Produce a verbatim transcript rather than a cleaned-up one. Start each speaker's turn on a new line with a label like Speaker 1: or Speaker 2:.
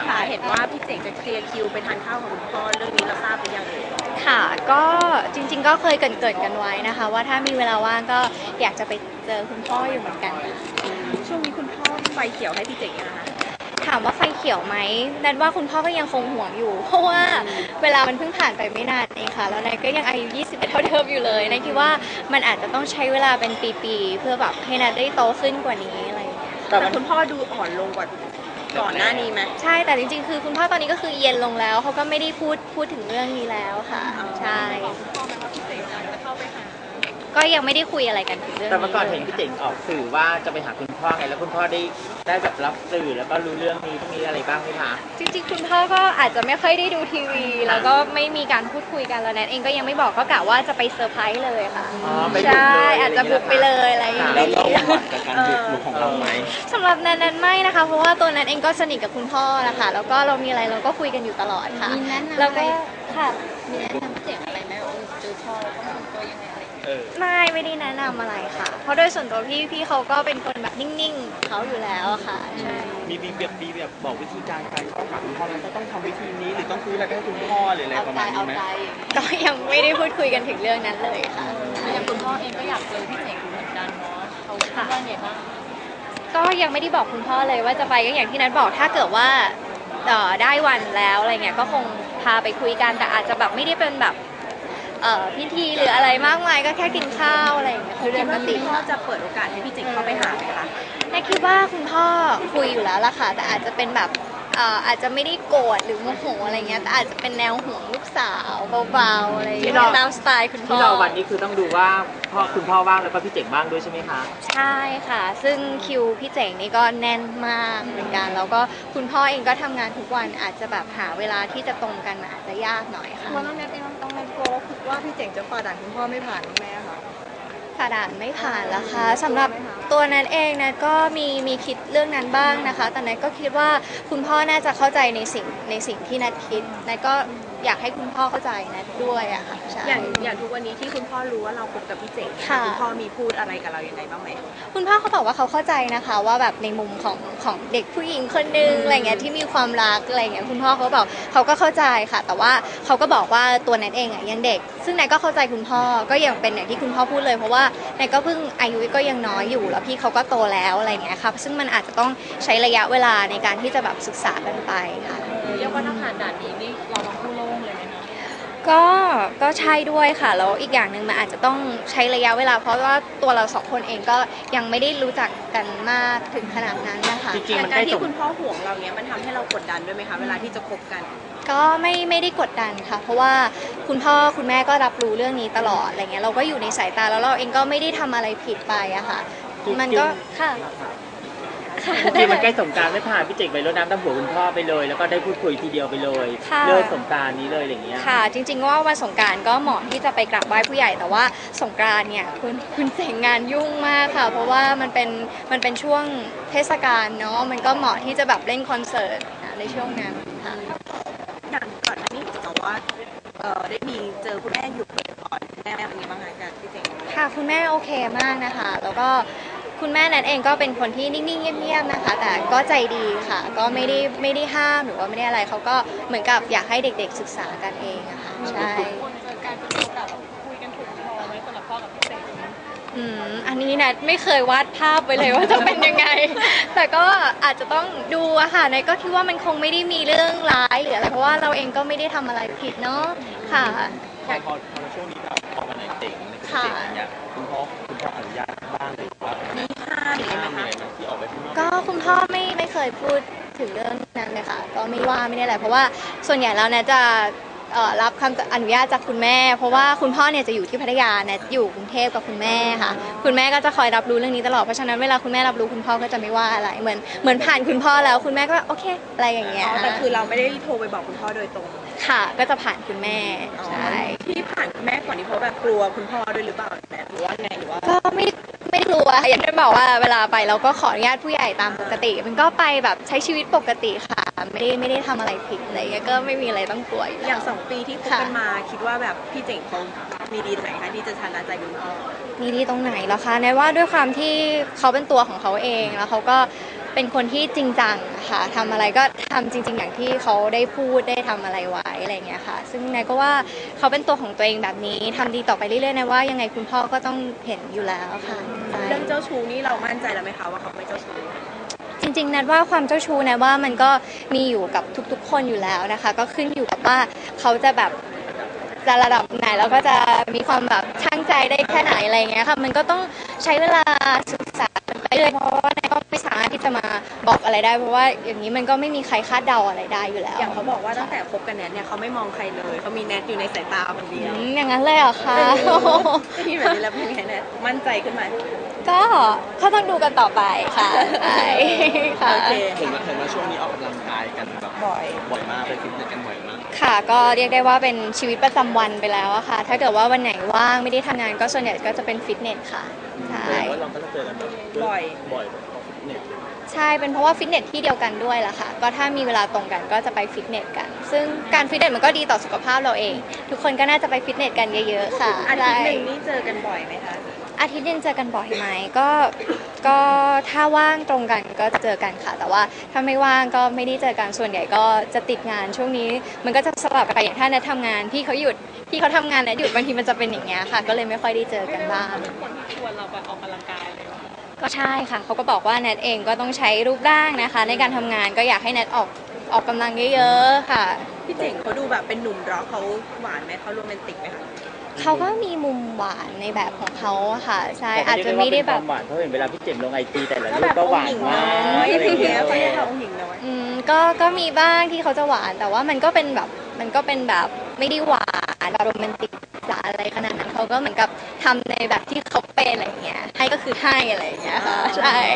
Speaker 1: ค่ะเห็นว่าพี่เจ๋งจะเคลียร์คิวไปทานข้าวกับคุณพ่อเรื่องนี้เราทราบหรือยังเอ่ย
Speaker 2: ค่ะก็จริงๆก็เคยเกริ่นๆกันไว้นะคะว่าถ้ามีเวลาว่างก็อยากจะไปเจอคุณพ่ออยู่เหมือนกัน
Speaker 1: ช่วงนี้คุณพ่อไฟเขียวให้พี่เจ๋งยังนะคะ
Speaker 2: ถามว่าไฟเขียวไหมนันว่าคุณพ่อก็ยังคงห่วงอยู่เพราะว่าเวลามันเพิ่งผ่านไปไม่นานเองค่ะแล้วนายก็ยังอายุยี่สิบเอ็ดเท่าเดิมอยู่เลยนายคิดว่ามันอาจจะต้องใช้เวลาเป็นปีๆเพื่อแบบให้นันได้โตขึ้นกว่านี้อะไรอย่างเงี้ย
Speaker 1: แต่คุณพ่อดูอ่อนลงกว่าก่อนหน้านี้ไหม
Speaker 2: ใช่แต่จริงๆคือคุณพ่อตอนนี้ก็คือเย็นลงแล้วเขาก็ไม่ได้พูดพูดถึงเรื่องนี้แล้วค่ะใช่
Speaker 1: พ่อมันก็พิเศษจะเข้าไปหา
Speaker 2: ก็ยังไม่ได้คุยอะไรกันถึงเรื่องนี้
Speaker 3: แต่เมื่อก่อนเห็นพี่เจ๋งออกสื่อว่าจะไปหาคุณพ่อไงแล้วคุณพ่อได้ได้แบบรับสื่อแล้วก็รู้เรื่องนี้มีอะไรบ้างไหมคะ
Speaker 2: จริงๆคุณพ่อก็อาจจะไม่ค่อยได้ดูทีวีแล้วก็ไม่มีการพูดคุยกันแล้วแนทเองก็ยังไม่บอกก็กะว่าจะไปเซอร์ไพรส์เลยค่ะใช่อาจจะบุกไปเลยอะไรอย่างเงี้ย
Speaker 3: แล้วเราหวังกับการบุกลุกของเราไหม
Speaker 2: สำหรับแนทนั้นไม่นะคะเพราะว่าตัวแนทเองก็สนิทกับคุณพ่อนะคะแล้วก็เรามีอะไรเราก็คุยกันอยู่ตลอดค่ะแล้วก็ค่ะ
Speaker 1: มีแนะนำพี่เจ๋งอะไรไหมว่าเจอพ่อแล้วต้องทำตัวยังไงอะไร
Speaker 2: ไม่ไม่ได้แนะนำอะไรค่ะเพราะโดยส่วนตัวพี่พี่เขาก็เป็นคนแบบนิ่งๆเขาอยู่แล้วค่ะใช่
Speaker 3: มีมีแบบมีแบบบอกวิธีการการเข้าหาคุณพ่อมันต้องทำวิธีนี้หรือต้องซื้ออะไรให้คุณพ่อหรืออะไรประมาณนี้ไหม
Speaker 2: ก็ยังไม่ได้พูดคุยกันถึงเรื่องนั้นเลยค่ะ
Speaker 1: อย่างคุณพ่อเองก็อยากเจอพี่เจ๋งเหมือนกันเนาะเขาคิดว่าไงบ้าง
Speaker 2: ก็ยังไม่ได้บอกคุณพ่อเลยว่าจะไปก็อย่างที่นัทบอกถ้าเกิดว่าได้วันแล้วอะไรเงี้ยก็คงพาไปคุยกันแต่อาจจะแบบไม่ได้เป็นแบบพิธีหรืออะไรมากมายก็แค่กินข้าวอะไรอย่างเงี้ย
Speaker 1: คือปกติพ่อจะเปิดโอกาสให้พี่เจ๋งเข้าไปหาไหมคะ
Speaker 2: แม่คิดว่าคุณพ่อคุยอยู่แล้วล่ะค่ะแต่อาจจะเป็นแบบอาจจะไม่ได้โกรธหรือโมโหอะไรเงี้ยแต่อาจจะเป็นแนวห่วงลูกสาวเบาๆอะไรอย่างเงี้ยตามสไตล์คุณพ่อ
Speaker 3: ที่เราวันนี้คือต้องดูว่าพ่อคุณพ่อว่างแล้วก็พี่เจ๋งบ้างด้วยใช่ไหมคะ
Speaker 2: ใช่ค่ะซึ่งคิวพี่เจ๋งนี่ก็แน่นมากเหมือนกันแล้วก็คุณพ่อเองก็ทำงานทุกวันอาจจะแบบหาเวลาที่จะตรงกันอาจจะยากหน่อยค่ะ
Speaker 1: วันนั้นแม่ต้องต้องแม่กลัวว่าพี่เจ๋งจะฝ่าด่านคุณพ่อไม่ผ่านแม่ค่ะ
Speaker 2: ผ่าด่านไม่ผ่านละคะสำหรับตัวนัทเองนัทก็มีมีคิดเรื่องนั้นบ้างนะคะแต่นัทก็คิดว่าคุณพ่อน่าจะเข้าใจในสิ่งในสิ่งที่นัทคิดนัทก็อยากให้คุณพ่อเข้าใจนัทด้วยอะค่ะใช่
Speaker 1: อย่างอย่างทุกวันนี้ที่คุณพ่อรู้ว่าเราคบกับพี่เจ๋งคุณพ่อมีพูดอะไรกับเราอย่างไรบ้างไหม
Speaker 2: คุณพ่อเขาบอกว่าเขาเข้าใจนะคะว่าแบบในมุมของของเด็กผู้หญิงคนนึงอะไรเงี้ยที่มีความรักอะไรเงี้ยคุณพ่อเขาบอกเขาก็เข้าใจค่ะแต่ว่าเขาก็บอกว่าตัวนัทเองอะยังเด็กซึ่งนัทก็เข้าใจคุณพ่อก็ยังเป็นอย่างที่คุณพ่อพูดเลยเพราะว่านัทก็เพิ่งอายุก็ยังน้อยอยู่แล้วพี่เขาก็โตแล้วอะไรเงี้ยครับซึ่งมันอาจจะต้องใช้ระยะเวลาในการที่จะแบบศึกษากันไปค่ะ
Speaker 1: เรียกว่าถ้าผ่านด่านนี้นี่เราต้องพูดโล่งเลยไหมคะ
Speaker 2: ก็ก็ใช่ด้วยค่ะแล้วอีกอย่างหนึ่งมันอาจจะต้องใช้ระยะเวลาเพราะว่าตัวเราสองคนเองก็ยังไม่ได้รู้จักกันมากถึงขนาดนั้นนะคะ
Speaker 1: อย่างการที่คุณพ่อห่วงเราเนี้ยมันทำให้เรากดดันด้วยไหมคะเวลาที่จะคบกัน
Speaker 2: ก็ไม่ไม่ได้กดดันค่ะเพราะว่าคุณพ่อคุณแม่ก็รับรู้เรื่องนี้ตลอดอะไรเงี้ยเราก็อยู่ในสายตาแล้วเราเองก็ไม่ได้ทำอะไรผิดไปอะค่ะมันก็ค่ะ
Speaker 3: จริงมันใกล้สงกรานต์ไม่ผ่านพี่เจ๋งไปรดน้ำดำหัวคุณพ่อไปเลยแล้วก็ได้พูดคุยทีเดียวไปเลยเลิกสงกรานต์นี้เลยอย่างเงี้ย
Speaker 2: ค่ะจริงๆว่าวันสงกรานต์ก็เหมาะที่จะไปกราบไหว้ผู้ใหญ่แต่ว่าสงกรานต์เนี่ยคุณคุณเจ๋งงานยุ่งมากค่ะเพราะว่ามันเป็นมันเป็นช่วงเทศกาลเนาะมันก็เหมาะที่จะแบบเล่นคอนเสิร์ตในช่วงนั้นค่ะ
Speaker 1: อย่างก่อนอันนี้แต่ว่าเออได้มีเจอคุณแม่อยู่ก่อนแม่เป็นยังไงบ้างคะจากพี่เจ๋ง
Speaker 2: ค่ะคุณแม่โอเคมากนะคะแล้วก็คุณแม่นั้นเองก็เป็นคนที่นิ่งๆเงียบๆนะคะแต่ก็ใจดีค่ะก็ไม่ได้ไม่ได้ห้ามหรือว่าไม่ได้อะไรเขาก็เหมือนกับอยากให้เด็กๆศึกษากันเองอะค่ะใช่
Speaker 1: คนเจอการเป็นโอกาสคุยกันถูกคอไหมสำหรับพ่อกับพี่เจ๋ง
Speaker 2: อืมอันนี้นะไม่เคยวาดภาพไว้เลยว่าจะเป็นยังไงแต่ก็อาจจะต้องดูอะค่ะนายก็คิดว่ามันคงไม่ได้มีเรื่องร้ายหรืออะไรเพราะว่าเราเองก็ไม่ได้ทำอะไรผิดเนาะค่ะ
Speaker 3: พอพอช่วงนี้แบบพอมาไหนเจ๋งในเจ๋งอย่างเงี้ยคุณพ่อคุณพ่ออนุญาตบ้างหรือว่า
Speaker 1: มีห้ามอะไรไหมคะ
Speaker 3: ที่ออกไปข้างนอก
Speaker 2: ก็คุณพ่อไม่ไม่เคยพูดถึงเรื่องนั้นเลยค่ะก็ไม่ว่าไม่ได้อะไรเพราะว่าส่วนใหญ่แล้วเนี่ยจะรับคำอนุญาตจากคุณแม่เพราะว่าคุณพ่อเนี่ยจะอยู่ที่พัทยาเนี่ยอยู่กรุงเทพกับคุณแม่ค่ะคุณแม่ก็จะคอยรับรู้เรื่องนี้ตลอดเพราะฉะนั้นเวลาคุณแม่รับรู้คุณพ่อก็จะไม่ว่าอะไรเหมือนเหมือนผ่านคุณพ่อแล้วคุณแม่ก็โอเคอะไรอย่างเงี้ย
Speaker 1: แต่คือเราไม่ได้โทรไปบอกคุณพ่อโดยตรง
Speaker 2: ค่ะก็จะผ่านคุณแม่ใช่
Speaker 1: ที่ผ่านคุณแม่ก่อนนี้เพราะแบบกลัวคุณพ่อด้วยหรือเปล่าแม่หรือว่าไงหรือว่า
Speaker 2: ก็ไม่ไม่กลัวอย่างที่บอกว่าเวลาไปเราก็ขออนุญาตผู้ใหญ่ตามปกติมันก็ไปแบบใช้ชีวิตปกติค่ะไม่ได้ไม่ได้ทำอะไรผิดอะไรเงี้ยก็ไม่มีอะไรต้องกลัว
Speaker 1: อย่างสองปีที่คบกันมาคิดว่าแบบพี่เจ๋งเขามีดีไหนคะที่จะชนะใจคุณพ่อ
Speaker 2: มีดีตรงไหนล่ะคะในว่าด้วยความที่เขาเป็นตัวของเขาเองแล้วเขาก็เป็นคนที่จริงจังอะค่ะทำอะไรก็ทำจริง ๆ อย่างที่เขาได้พูดได้ทำอะไรไว้อะไรอย่างเงี้ยค่ะซึ่งนายก็ว่าเขาเป็นตัวของตัวเองแบบนี้ทำดีต่อไปเรื่อยๆนะว่ายังไงคุณพ่อก็ต้องเห็นอยู่แล้วค่ะใช่
Speaker 1: เรื่องเจ้าชู้นี่เรามั่นใจแล้วไหมคะว่าเขาไม่เจ้าชู้
Speaker 2: จริงๆนัดว่าความเจ้าชู้นะว่ามันก็มีอยู่กับทุกๆ คนอยู่แล้วนะคะ ก็ขึ้นอยู่กับว่าเขาจะแบบจะระดับไหนแล้วก็จะมีความแบบช่างใจได้แค่ไหนอะไรอย่างเงี้ยค่ะมันก็ต้องใช้เวลาศึกษาไปเลยเพราะว่านัดก็ไม่สามารถที่จะมาบอกอะไรได้เพราะว่าอย่างนี้มันก็ไม่มีใครคาดเดาอะไรได้อยู่แล้ว
Speaker 1: อย่างเขาบอกว่าตั้งแต่คบกันแนทเนี่ยเขาไม่มองใครเลยเขามีแนทอยู่ในสายตาคนเดียว
Speaker 2: อืมอย่างนั้นเลยเหรอคะ
Speaker 1: ได้ยินแบบนี้แล้วเป็นไงแนทมั่นใจขึ้นไหม
Speaker 2: ก็ก็ต้องดูกันต่อไปค่ะใช่ค่ะ
Speaker 1: โอเค
Speaker 4: เห็นว่าเห็นว่าช่วงนี้ออกกำลังกายกันแบบ
Speaker 1: บ่อย
Speaker 4: บ่อยมากไปฟิตเนสกันบ่อยมาก
Speaker 2: ค่ะก็เรียกได้ว่าเป็นชีวิตประจำวันไปแล้วอะค่ะ ถ้าเกิดว่าวันไหนว่างไม่ได้ทำงานก็ส่วนใหญ่ก็จะเป็นฟิตเนสค่ะใช่
Speaker 4: แสดงว่าเราก็จะเจอกันแบบ
Speaker 1: บ่อย
Speaker 4: บ่อยแบบออกฟิตเนส
Speaker 2: ใช่เป็นเพราะว่าฟิตเนสที่เดียวกันด้วยล่ะค่ะ ก็ถ้ามีเวลาตรงกันก็จะไปฟิตเนสกัน ซึ่งการฟิตเนสมันก็ดีต่อสุขภาพเราเอง ทุกคนก็น่าจะไปฟิตเนสกันเยอะๆค่ะ
Speaker 1: อาทิตย์หนึ่ง
Speaker 2: ใช่
Speaker 1: นี่เจอกันบ่อยไหมคะ
Speaker 2: อาทิตย์หนึงเจอกันบ่อยไหมก็ก็ถ้าว่างตรงกันก็จะเจอกันค่ะ แต่ว่าถ้าไม่ว่างก็ไม่ได้เจอกันส่วนใหญ่ก็จะติดงานช่วงนี้มันก็จะสลับกันไปอย่างถ้าแนททำงานพี่เขาหยุดพี่เขาทำงานแนทหยุดบางทีมันจะเป็นอย่างเงี้ยค่ะ ก็เลยไม่ค่อยได้เจอกันบ้าง
Speaker 1: คนที่ชวนเราไปออกกำลังกายเลย
Speaker 2: ก็ใช่ค่ะเขาก็บอกว่าแนทเองก็ต้องใช้รูปร่างนะคะ ในการทำงานก็อยากให้แนทออกออกกำลังเยอะๆค่ะ
Speaker 1: พี่เจ๋งเขาดูแบบเป็นหนุ่มร็อกเขาหวานไหมเขาโรแมนติกไหมคะ
Speaker 2: เขาก็มีมุมหวานในแบบของเขาอะค่ะใช่อาจจะไม่ได้แบบ
Speaker 3: หวานเพราะเห็นเวลาพี่เจมส์ลงไอจีแต่ละรูปก็หวานมาก
Speaker 1: อะไร
Speaker 3: อะไร
Speaker 1: อย่าง
Speaker 3: เงี้
Speaker 1: เงี้
Speaker 3: ย
Speaker 1: ยเขาเรียกเราองค์หญิงน้อย
Speaker 2: อืมก็ก็มีบ้างที่เขาจะหวานแต่ว่ามันก็เป็นแบบมันก็เป็นแบบไม่ได้หวานแบบโรแมนติกจ๋าอะไรขนาดนั้นเขาก็เหมือนกับทำในแบบที่เขาเป็นอะไรอย่างเงี้ยให้ก็คือให้อะไรอย่างเงี้ยค่ะใช่